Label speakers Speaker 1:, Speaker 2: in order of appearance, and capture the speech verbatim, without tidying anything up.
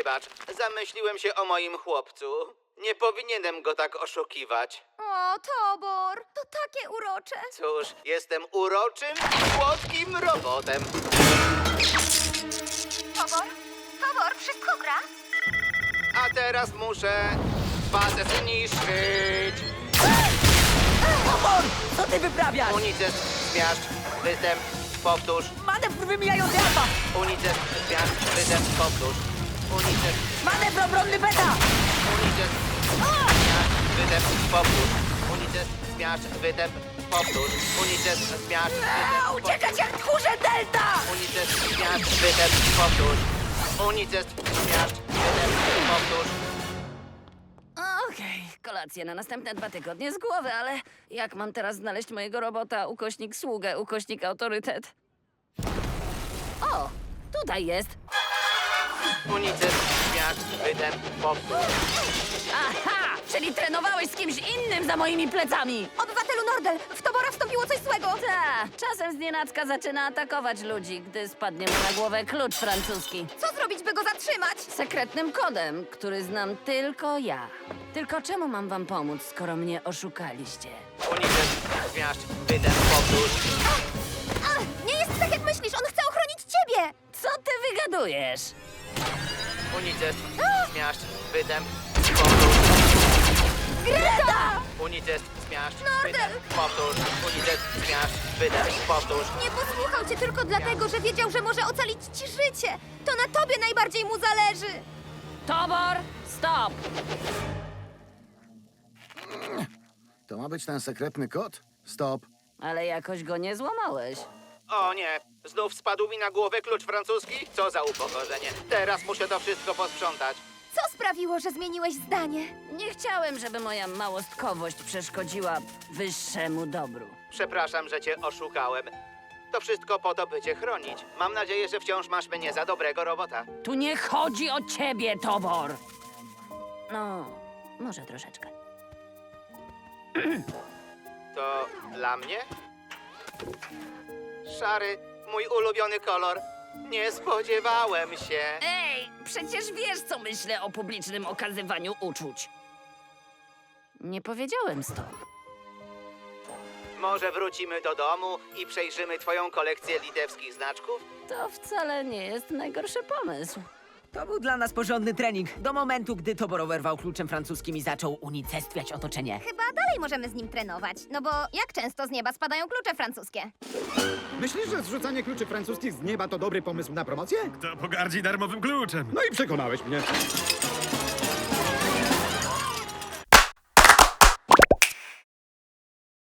Speaker 1: Wybacz, zamyśliłem się o moim chłopcu. Nie powinienem go tak oszukiwać.
Speaker 2: O, Tobor, to takie urocze.
Speaker 1: Cóż, jestem uroczym i słodkim robotem.
Speaker 2: Tobor? Tobor, wszystko gra?
Speaker 1: A teraz muszę bazę zniszczyć.
Speaker 3: Tobor! Co ty wyprawiasz?
Speaker 1: Unicest, zmiażdż, występ, powtórz.
Speaker 3: Manewr wymijający alfa!
Speaker 1: Unicest, zmiażdż, występ, powtórz. Unicest,
Speaker 3: Manewr obronny beta!
Speaker 1: unicest, zmiażdż, występ, powtórz. Unicest, zmiażdż, występ, powtórz. Unicest, zmiażdż,
Speaker 3: Eee,
Speaker 1: występ,
Speaker 3: uciekać jak tchórze delta!
Speaker 1: Unicest, zmiażdż, występ, powtórz. Unicest, zmiażdż, występ, powtórz.
Speaker 4: Okej, kolację na następne dwa tygodnie z głowy, ale jak mam teraz znaleźć mojego robota, ukośnik sługę, ukośnik autorytet? O, tutaj jest.
Speaker 1: Unicest, zmiażdż, występ, powtórz.
Speaker 4: Aha, czyli trenowałeś z kimś innym za moimi plecami.
Speaker 2: Obywatelu Nordel, w Tobora wstąpiło coś złego.
Speaker 4: Ta, czasem znienacka zaczyna atakować ludzi, gdy spadnie mu na głowę klucz francuski.
Speaker 2: Co zrobić, by go zatrzymać?
Speaker 4: Sekretnym kodem, który znam tylko ja. Tylko czemu mam wam pomóc, skoro mnie oszukaliście?
Speaker 1: Unicest, zmiażdż, występ, powtórz.
Speaker 2: A, nie jest tak, jak myślisz, on chce ochronić ciebie.
Speaker 4: Co ty wygadujesz?
Speaker 1: Unicest, zmiażdż, występ, powtórz.
Speaker 2: Greta!
Speaker 1: Unicest, zmiażdż,
Speaker 2: Nordel!
Speaker 1: występ, powtórz. Unicest, zmiażdż, występ, powtórz.
Speaker 2: Nie posłuchał cię tylko dlatego, że wiedział, że może ocalić ci życie. To na tobie najbardziej mu zależy.
Speaker 4: Tobor, stop!
Speaker 5: To ma być ten sekretny kod? Stop.
Speaker 4: Ale jakoś go nie złamałeś.
Speaker 1: O nie, znów spadł mi na głowę klucz francuski? Co za upokorzenie. Teraz muszę to wszystko posprzątać.
Speaker 2: Co sprawiło, że zmieniłeś zdanie?
Speaker 4: Nie chciałem, żeby moja małostkowość przeszkodziła wyższemu dobru.
Speaker 1: Przepraszam, że cię oszukałem. To wszystko po to, by cię chronić. Mam nadzieję, że wciąż masz mnie za dobrego robota.
Speaker 4: Tu nie chodzi o ciebie, Tobor! No, może troszeczkę.
Speaker 1: To dla mnie? Szary, mój ulubiony kolor. Nie spodziewałem się.
Speaker 4: Ej, przecież wiesz, co myślę o publicznym okazywaniu uczuć. Nie powiedziałem stop.
Speaker 1: Może wrócimy do domu i przejrzymy twoją kolekcję litewskich znaczków?
Speaker 4: To wcale nie jest najgorszy pomysł.
Speaker 3: To był dla nas porządny trening. Do momentu, gdy Tobor oberwał kluczem francuskim i zaczął unicestwiać otoczenie.
Speaker 2: Chyba dalej możemy z nim trenować, no bo jak często z nieba spadają klucze francuskie?
Speaker 6: Myślisz, że zrzucanie kluczy francuskich z nieba to dobry pomysł na promocję?
Speaker 7: Kto pogardzi darmowym kluczem?
Speaker 6: No i przekonałeś mnie.